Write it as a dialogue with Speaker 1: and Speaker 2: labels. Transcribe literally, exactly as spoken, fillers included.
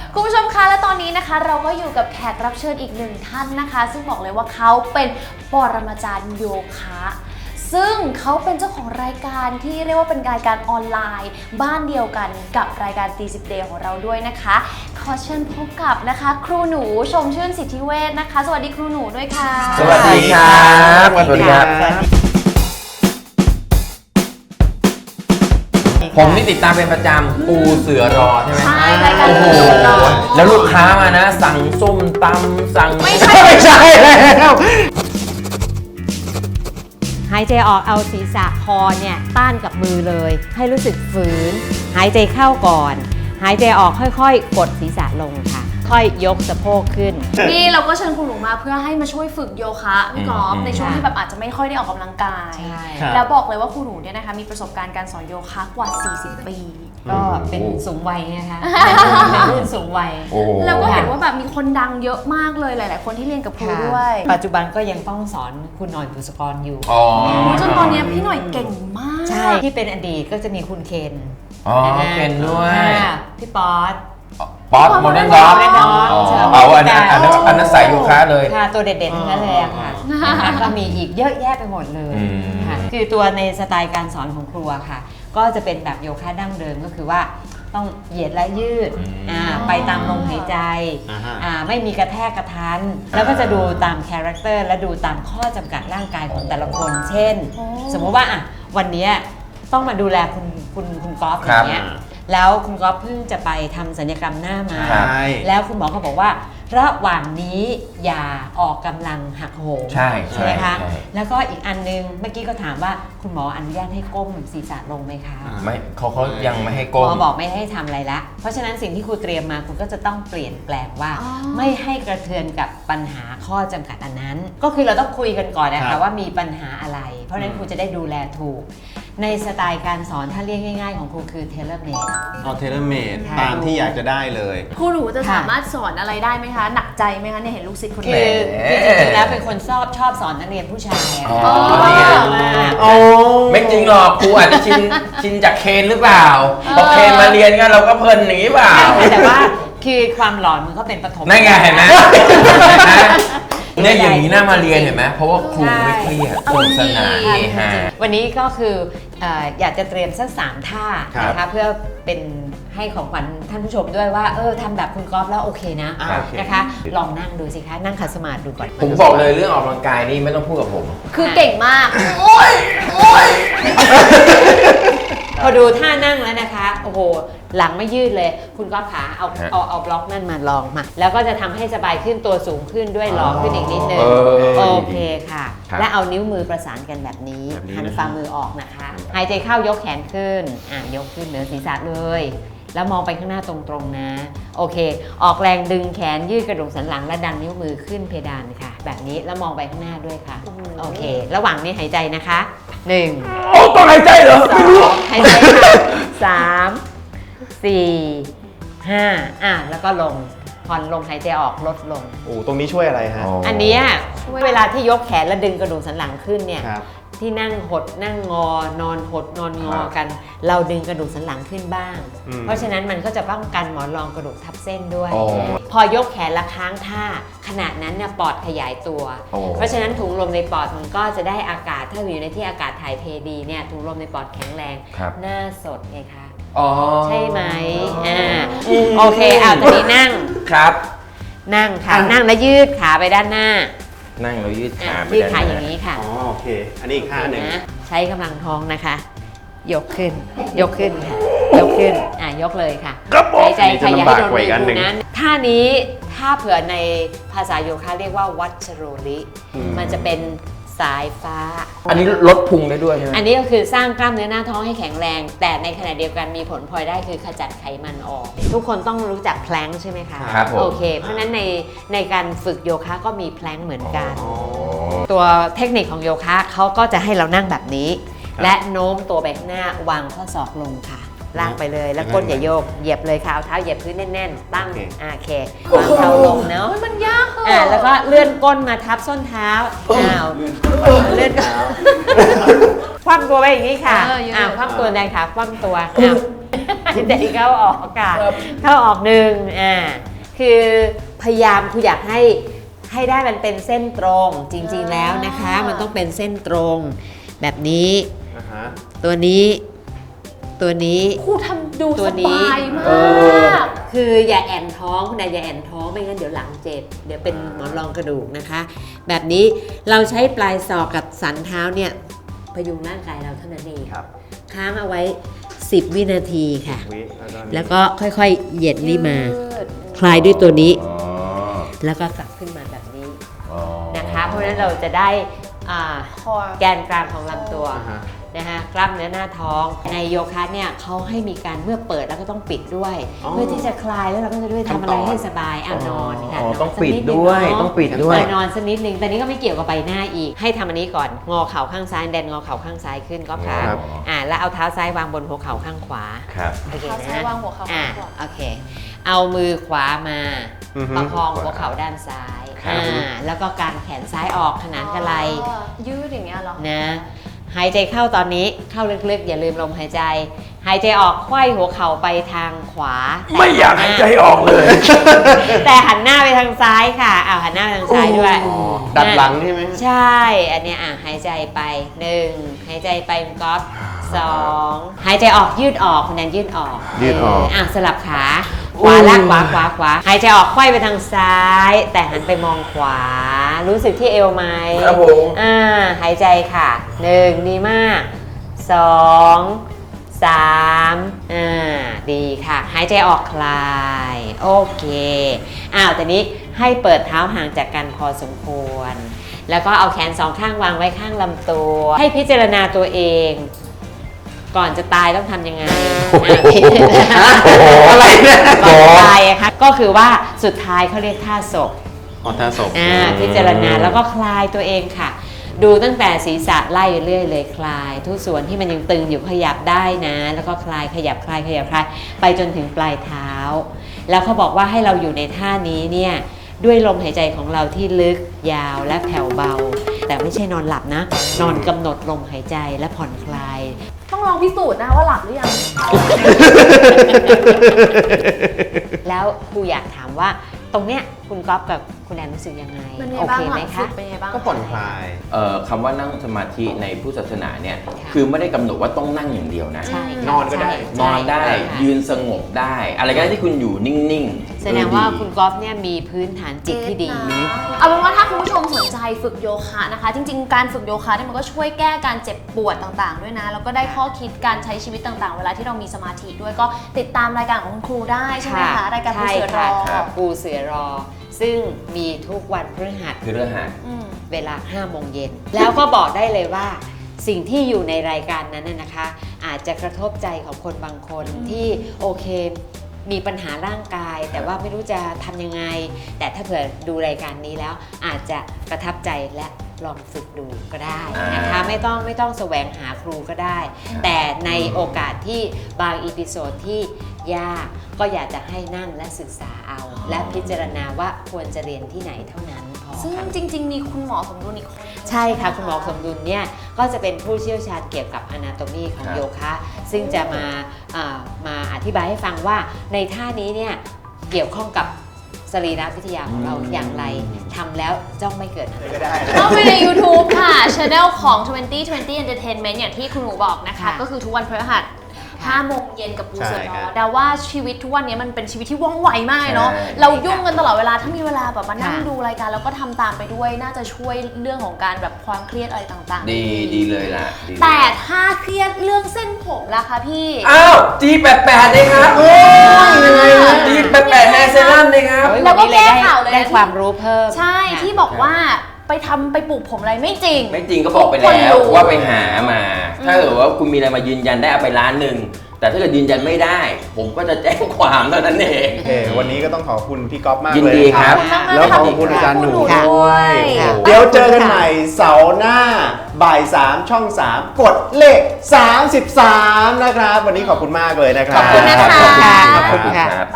Speaker 1: คุณผู้ชมคะและตอนนี้นะคะเราก็อยู่กับแขกรับเชิญอีกหนึ่งท่านนะคะซึ่งบอกเลยว่าเขาเป็นปรมาจารย์โยคะซึ่งเขาเป็นเจ้าของรายการที่เรียกว่าเป็นรายการออนไลน์บ้านเดียวกันกับรายการตีสิบเดย์ของเราด้วยนะคะขอเชิญพบกับนะคะครูหนูชมชื่นสิทธิเวชนะคะสวัสดีครูหนูด้วยค่ะ
Speaker 2: สวัสดีครับสวัสดีครับผมนี่ติดตามเป็นประจำปูเสือรอใช่ไหม
Speaker 1: ใช่รายการปูเสือรอ
Speaker 2: แล้วลูกค้ามานะสั่งส้มตำสั่ง
Speaker 1: ไม่ใช่
Speaker 2: ไม่ใช่แล้ว
Speaker 3: หายใจออกเอาศีรษะคอเนี่ยต้านกับมือเลยให้รู้สึกฝืนหายใจเข้าก่อนหายใจออกค่อยๆกดศีรษะลงค่ะค่อยยกสะโพกขึ้น
Speaker 1: นี่เราก็เชิญครูหนูมาเพื่อให้มาช่วยฝึกโยคะพี่กอล์ฟในช่วงที่แบบอาจจะไม่ค่อยได้ออกกำลังกายแล้วบอกเลยว่าครูหนูเนี่ยนะคะมีประสบการณ์การสอนโยคะกว่าสี่สิบปี
Speaker 3: ก็เป็นสูงวัยนะคะเป็นรุ่นสูงวัย
Speaker 1: แล้วก็เห็นว่าแบบมีคนดังเยอะมากเลยหลายๆคนที่เรียนกับครูด้วย
Speaker 3: ปัจจุบันก็ยังต้องสอนคุณหน่อยบุษกรอยู่
Speaker 1: จนตอนนี้พี่หน่อยเก่งมาก
Speaker 3: ใช่ที่เป็นอดีตก็จะมีคุณเคน
Speaker 2: อ๋อเคนด้วย
Speaker 3: พี่ป๊อต
Speaker 2: ป๊อตโมเดิร์นด็อกเอาอันนั้นอันนั้นอันนั้นใส่โยคะเลย
Speaker 3: ค่ะตัวเด็ดๆทั้งนั้นเลยอะค่ะก็มีอีกเยอะแยะไปหมดเลยค่ะคือตัวในสไตล์การสอนของครูค่ะก็จะเป็นแบบโยคะดั้งเดิมก็คือว่าต้องเหยียดและยืดไปตามลมหายใจไม่มีกระแทกกระทันแล้วก็จะดูตามคาแรคเตอร์และดูตามข้อจำกัดร่างกายของแต่ละคนเช่นสมมติว่าอ่ะวันนี้ต้องมาดูแลคุณคุณคุณกอล์ฟอย่างเงี้ยแล้วคุณก๊อฟเพิ่งจะไปทำศัลยกรรมหน้ามาแล้วคุณหมอเขาบอกว่าระหว่างนี้อย่าออกกำลังหักโหม
Speaker 2: ใช่
Speaker 3: ใช่ไหมคะแล้วก็อีกอันนึงเมื่อกี้ก็ถามว่าคุณหมออนุญาตให้ก้มศีรษะลงไหมคะ
Speaker 2: ไม่เขาเขายังไม่ให้ก้ม
Speaker 3: หมอบอกไม่ให้ทำอะไรละเพราะฉะนั้นสิ่งที่ครูเตรียมมาคุณก็จะต้องเปลี่ยนแปลงว่าไม่ให้กระเทือนกับปัญหาข้อจำกัดอันนั้นก็คือเราต้องคุยกันก่อนนะคะว่ามีปัญหาอะไรเพราะฉะนั้นครูจะได้ดูแลถูกในสไตล์การสอนถ้าเรียกง่ายๆของครูคือเทเลเมด
Speaker 4: เอาเทเลเมดตามที่อยากจะได้เลย
Speaker 1: ครูหนูจะสามารถสอนอะไรได้ไหมคะหนักใจไหมคะเนี่ยเห็นลูกศิษย์คนนี้
Speaker 3: คือจริงๆแล้วเป็นคนชอบชอบสอนนักเรียนผู้ชาย
Speaker 2: อ๋อไม่จริงหรอกครูอาจจะชินชินจากเคนหรือเปล่าพอเคนมาเรียนกันเราก็เพลินหนีเปล่า
Speaker 3: แต่ว่าคือความหลอนมันก็เป็นปฐม
Speaker 2: นั่นไงเห็นไหมเนี่ยอย่างนี้น่ามาเรียนเห็นไหมเพราะว่าครูไม่เครียดสนุกสนาน
Speaker 3: วันนี้ก็คืออยากจะเตรียมสักสามท่านะคะเพื่อเป็นให้ของขวัญท่านผู้ชมด้วยว่าเออทำแบบคุณก๊อฟแล้วโอเคนะนะคะลองนั่งดูสิคะนั่งขัดสมาธิดูก่อน
Speaker 2: ผมบอกเลยเรื่องออกกำลังกายนี่ไม่ต้องพูดกับผม
Speaker 1: คือเก่งมากโอ้ยโอ้ย
Speaker 3: พอดูท่านั่งแล้วนะคะโอ้โหหลังไม่ยืดเลยคุณก๊อฟขาเอาเอาเอาบล็อกนั่นมาลองมาแล้วก็จะทำให้สบายขึ้นตัวสูงขึ้นด้วยลองขึ้นอีกนิดนึงโอเคค่ะและเอานิ้วมือประสานกันแบบนี้หันฝ่ามือออกนะคะหายใจเข้ายกแขนขึ้นอ่ะยกขึ้นเหนือศีรษะเลยแล้วมองไปข้างหน้าตรงๆนะโอเคออกแรงดึงแขนยืดกระดูกสันหลังและดันนิ้วมือขึ้นเพดานค่ะแบบนี้แล้วมองไปข้างหน้าด้วยค่ะโอเคระหว่างนี้หายใจนะคะหนึ่ง
Speaker 2: โอ้ต้องหายใจเหรอไม่รู้
Speaker 3: หายใจค่ะสามสี่ห้าอ่ะแล้วก็ลงผ่อนลงหายใจออกลดลง
Speaker 4: โอ้ตรงนี้ช่วยอะไรฮะ
Speaker 3: อันนี้เวลาที่ยกแขนและดึงกระดูกสันหลังขึ้นเนี่ยที่นั่งหดนั่งงอนอนหดนอนงอกันเราดึงกระดูกสันหลังขึ้นบ้างเพราะฉะนั้นมันก็จะป้องกันหมอนรองกระดูกทับเส้นด้วยพอยกแขนละค้างท่าขณะนั้นเนี่ยปอดขยายตัวเพราะฉะนั้นถุงลมในปอดมันก็จะได้อากาศถ้าอยู่ในที่อากาศถ่ายเทดีเนี่ยถุงลมในปอดแข็งแรงหน้าสดไงคะใช่ไหมอ่าโอเคเอาตอนนี้นั่ง
Speaker 2: ครับ
Speaker 3: นั่งค่ะนั่งแล้วยืดขาไปด้านหน้า
Speaker 2: นั่งแล้วยืดขาไป
Speaker 3: ยืดขาอย่างนี้ค่ะ
Speaker 4: อ๋อโอเคอันนี้อีกท่าหนึ่ง
Speaker 3: ใช้กำลังท้องนะคะยกขึ้นยกขึ้นค่ะยกขึ้นอ่ะยกเลยค่ะหายใจขยายให้โดนมือนั้นท่านี้ถ้าเผื่อในภาษาโยคะเรียกว่าวัชโรลิมันจะเป็นสายฟ้า
Speaker 2: อันนี้ลดพุงได้ด้วยใช่ไหม
Speaker 3: อันนี้ก็คือสร้างกล้ามเนื้อหน้าท้องให้แข็งแรงแต่ในขณะเดียวกันมีผลพลอยได้คือขจัดไขมันออกทุกคนต้องรู้จักแพลงใช่ไหมคะ
Speaker 2: ครับผม
Speaker 3: โอเคเพราะฉะนั้นในในการฝึกโยคะก็มีแพลงเหมือนกันตัวเทคนิคของโยคะเขาก็จะให้เรานั่งแบบนี้และโน้มตัวไปข้างหน้าวางข้อศอกลงค่ะล่างไปเลยแล้วก้นอย่าโยกเหยียบเลยค่ะเอาเท้าเหยียบพื้นแน่นๆตั้งโอเควางเท้าลงเนาะ
Speaker 1: มันยาก
Speaker 3: อ่ะแล้วก็เลื่อนก้นมาทับส้นเท้าอ้าวเลื่อนคว่ำตัวไปอย่างนี้ค่ะอ่าคว่ำตัวแรงขาคว่ำตัวอ้าวแต่เข้าออกอากาศเข้าออกหนึ่งอ่าคือพยายามคุณอยากให้ให้ได้มันเป็นเส้นตรงจริงๆแล้วนะคะ มันต้องเป็นเส้นตรงแบบนี้
Speaker 4: อ่าฮะ
Speaker 3: ตัวนี้ตัวนี้
Speaker 1: ครูทำดู
Speaker 3: ตั
Speaker 1: ส
Speaker 3: วนี้
Speaker 1: บายมา
Speaker 2: เออ
Speaker 1: ก
Speaker 3: คืออย่าแอนท้องคุณนายอย่าแอนท้องไม่งั้นเดี๋ยวหลังเจ็บเดี๋ยวเป็นหมอนรองกระดูกนะคะ แบบนี้เราใช้ปลายศอกกับสันเท้าเนี่ยพยุงร่างกายเราเท่านั้นเอง
Speaker 4: ครับ
Speaker 3: ค้างเอาไว้สิบวินาทีค่ะ
Speaker 4: วิแล้วก็
Speaker 3: แล้วก็ค่อยๆเหยียดนี่มา
Speaker 1: ยืด
Speaker 3: คลายด้วยตัวนี้
Speaker 2: อ๋อ
Speaker 3: แล้วก็กลับขึ้นมาแบบนี้
Speaker 2: อ๋อ
Speaker 3: นะคะ เพราะฉะนั้นเราจะได้อ่า
Speaker 1: คอ
Speaker 3: แกนกลางของลำตัว
Speaker 4: อ่าฮะ
Speaker 3: นะคะกล้ามเนื้อหน้าท้องในโยคะเนี่ยเขาให้มีการเมื่อเปิดแล้วก็ต้องปิดด้วย
Speaker 4: อ๋อ
Speaker 3: เพื่อที่จะคลายแล้วเราก็จะด้วยทำอะไรให้สบายอ่ะนอนค่ะ
Speaker 2: อ๋อน
Speaker 3: น
Speaker 2: ต้อง
Speaker 3: สัก
Speaker 2: ปิด
Speaker 3: นิหนึ่
Speaker 2: ด้วย
Speaker 3: เนาะ
Speaker 2: ต้องปิดด้วย
Speaker 3: เออนอนสักนิดนึงแต่นี้ก็ไม่เกี่ยวกับใบหน้าอีกให้ทำอันนี้ก่อนงอเข่าข้างซ้ายแดนงอเข่าข้างซ้ายขึ้นก็ค่ะ
Speaker 4: ครับ
Speaker 3: อ่าแล้วเอาเท้าซ้ายวางบนหัวเข่าข้างขวา
Speaker 2: ครับ
Speaker 3: โอเค
Speaker 1: เท้าซ้า
Speaker 3: นะ
Speaker 1: ยวางหัวเข่า
Speaker 3: อ่า
Speaker 1: ข้างขวา
Speaker 3: โอเค เอามือขวามา
Speaker 4: อือฮึ
Speaker 3: ประคองหัวเข่าด้านซ้าย
Speaker 2: ครับ
Speaker 3: อ่าแล้วก็กางแขนซ้ายออกขนานกับไหล่
Speaker 1: อ๋อยืดอย่างเงี้ยเหรอ
Speaker 3: นะหายใจเข้าตอนนี้เข้าลึกๆ อย่าลืมลมหายใจ หายใจออกไขว้หัวเข่าไปทางขวา
Speaker 2: ไม่อยากหายใจออกเลย
Speaker 3: แต่หันหน้าไปทางซ้ายค่ะอ้าวหันหน้าไปทางซ้ายด้วย
Speaker 2: อ๋อ
Speaker 4: ดัดหลังใช่ไหม
Speaker 3: ใช่ อันเนี้ยอ่ะหายใจไปหนึ่งหายใจไปคุณก๊อฟสองหายใจออกยืดออกคุณแนนยืดออก
Speaker 4: ยืดออก
Speaker 3: เอ่ะสลับขาขวาลากขวาขวาขวาหายใจออกไขว้ไปทางซ้าย แต่หันไปมองขวา รู้สึกที่เอวไหม
Speaker 2: ครับผม
Speaker 3: อ่าหายใจค่ะหนึ่งดีมากสองสามอ่าดีค่ะ หายใจออกคลายโอเคอ้าวแต่นี้ให้เปิดเท้าห่างจากกันพอสมควร แล้วก็เอาแขนสองข้างวางไว้ข้างลำตัว ให้พิจารณาตัวเอง ก่อนจะตายต้องทำยังไงอ่ะพิจารณา
Speaker 2: อะไรเนี่ย
Speaker 3: ก่อนตายอะค่ะก็คือว่าสุดท้ายเขาเรียกท่าศพ
Speaker 4: อ๋อท่าศพ
Speaker 3: อ่าพิจารณาแล้วก็คลายตัวเองค่ะ ดูตั้งแต่ศีรษะไล่เรื่อยเลยคลาย ทุกส่วนที่มันยังตึงอยู่ขยับได้นะ แล้วก็คลายขยับคลายขยับคลายไปจนถึงปลายเท้า แล้วเขาบอกว่าให้เราอยู่ในท่านี้เนี่ยด้วยลมหายใจของเราที่ลึกยาวและแผ่วเบา แต่ไม่ใช่นอนหลับนะ นอนกำหนดลมหายใจและผ่อนคลาย
Speaker 1: ต้องลองพิสูจน์นะว่าหลับหรือยัง
Speaker 3: แล้วครูอยากถามว่าตรงเนี้ยคุณก๊อฟกับคุณแอนรู้สึกยังไง
Speaker 1: เป็นไง
Speaker 3: โอ
Speaker 1: บ้า
Speaker 3: เค
Speaker 1: งห
Speaker 3: ไหม
Speaker 1: ลัง
Speaker 3: คะ
Speaker 1: สุดเป็นไงบ้าง
Speaker 4: ก็ผ่อนคลาย
Speaker 2: เอ่อคำว่านั่งสมาธิในพุทธศาสนาเนี่ย
Speaker 3: ค่ะ
Speaker 2: คือไม่ได้กำหนดว่าต้องนั่งอย่างเดียวนะ
Speaker 3: ใช่ค่ะ
Speaker 4: นอนก็ได้
Speaker 3: ใช่
Speaker 2: นอนได้
Speaker 3: ใช่ค่ะ
Speaker 2: ยืนสงบได้ อะไรก็ได้ที่คุณอยู่นิ่งๆ
Speaker 3: แสดงว่า
Speaker 2: เออ
Speaker 3: คุณก๊อฟเนี่ยมีพื้นฐานจิตที่ดี
Speaker 1: เอาเป็นว่าถ้าคุณผู้ชมสนใจฝึกโยคะนะคะ จริงๆ การฝึกโยคะเนี่ยมันก็ช่วยแก้การเจ็บปวดต่างๆ ด้วยนะ แล้วก็ได้ข้อคิดการใช้ชีวิตต่างๆ เวลาที่เรามีสมาธิด้วยก็ติดตามรายการของคุณครูได้ใช่ไหมคะรายการปูเสือรอ
Speaker 3: ใช่ค่ะปูเสือรอ ซึ่งมีทุกวันพฤหัส
Speaker 2: คือเรื่องหา
Speaker 1: อืม
Speaker 3: เวลาห้าโมงเย็น แล้วก็บอกได้เลยว่าสิ่งที่อยู่ในรายการนั้นน่ะนะคะ อาจจะกระทบใจของคนบางคนที่โอเคมีปัญหาร่างกาย แต่ว่าไม่รู้จะทำยังไง แต่ถ้าเผื่อดูรายการนี้แล้วอาจจะประทับใจและลองฝึกดูก็ได้นะคะ ไม่ต้องไม่ต้องแสวงหาครูก็ได้ แต่ในโอกาสที่บางอีพิโซดที่ยากก็อยากจะให้นั่งและศึกษาเอา และพิจารณาว่าควรจะเรียนที่ไหนเท่านั้นพอ
Speaker 1: ซึ่ง
Speaker 3: ค่ะ
Speaker 1: จริง ๆ มีคุณหมอสมดุลอีกคน
Speaker 3: ใช่ค่ะ คุณหมอสมดุลเนี่ยก็จะเป็นผู้เชี่ยวชาญเกี่ยวกับ Anatomy ของ
Speaker 2: ครับ
Speaker 3: โยคะ ซึ่งจะมาเอ่อมาอธิบายให้ฟังว่าในท่านี้เนี่ยเกี่ยวข้องกับสรีรวิทยาของเราอย่างไรทำแล้วจ้องไม่เกิดอันต
Speaker 4: ก็
Speaker 3: ราย
Speaker 4: ได้
Speaker 1: เข้าไปใน YouTube ค่ะ Channel ของ ยี่สิบ ยี่สิบ Entertainment อย่างที่คุณหนูบอกนะคะ
Speaker 3: ค่ะ
Speaker 1: ก็คือทุกวันพฤหัสห้าโมงเย็นกับปูเสือ
Speaker 4: ใช่
Speaker 1: น
Speaker 4: ครั
Speaker 1: อบ ดาว่าชีวิตทุกวันนี้มันเป็นชีวิตที่ว่องไวมากเนาะ
Speaker 2: ใช่
Speaker 1: เรายุ่งกันตลอดเวลาถ้ามีเวลาแบบมานั่ง
Speaker 3: ค่ะ
Speaker 1: ดูรายการแล้วก็ทำตามไปด้วย น่าจะช่วยเรื่องของการแบบความเครียดอะไรต่างๆ
Speaker 2: ดีดีเลยล่ะดีเลย
Speaker 1: แต่ถ้าเครียดเรื่องเส้นผมล่ะคะพี่
Speaker 2: อ้าวจีแปดแปดเลยครับโอ้ยยังไงนะจีแปดแปดแฮร์เซรั่มเลยครับ
Speaker 3: โอ้ย
Speaker 1: แล้วก็
Speaker 3: นนี้
Speaker 1: แก้ข่าวเลยนะ
Speaker 3: ได้ความรู้เพิ่ม
Speaker 1: ใช่
Speaker 3: ค่ะ
Speaker 1: ที่บอกว่าไปทำไปปลูกผมอะไรไม่จริง
Speaker 2: ไม่จริงก็บอกไป
Speaker 1: ทุกคน
Speaker 2: แล้ว
Speaker 1: รู้
Speaker 2: ว่าไปหามา ถ้าเกิดว่าคุณมีอะไรมายืนยันได้เอาไปล้านหนึ่ง แต่ถ้าเกิดยืนยันไม่ได้ ผมก็จะแจ้งความเท่านั้นเอง
Speaker 4: โอเค วันนี้ก็ต้องขอบคุณพี่ก๊อฟมาก
Speaker 2: ยิน
Speaker 4: เลย
Speaker 2: ดี
Speaker 4: นะ
Speaker 2: ค
Speaker 4: ค
Speaker 2: รั
Speaker 4: รับ บ แล้วขอบคุณอาจารย์หนู
Speaker 1: ขอบคุณหนู
Speaker 4: ด้วย
Speaker 1: ด้วย
Speaker 4: โอ้โหเดี๋ยวเจอกันใหม่เสาร์หน้าบ่ายสามช่องสามกดเลขสามสิบสามนะครับ วันนี้ขอบคุณมากเลยนะครับ
Speaker 1: ขอบคุณนะคะ
Speaker 3: ขอบคุณค่ะ
Speaker 2: ครับ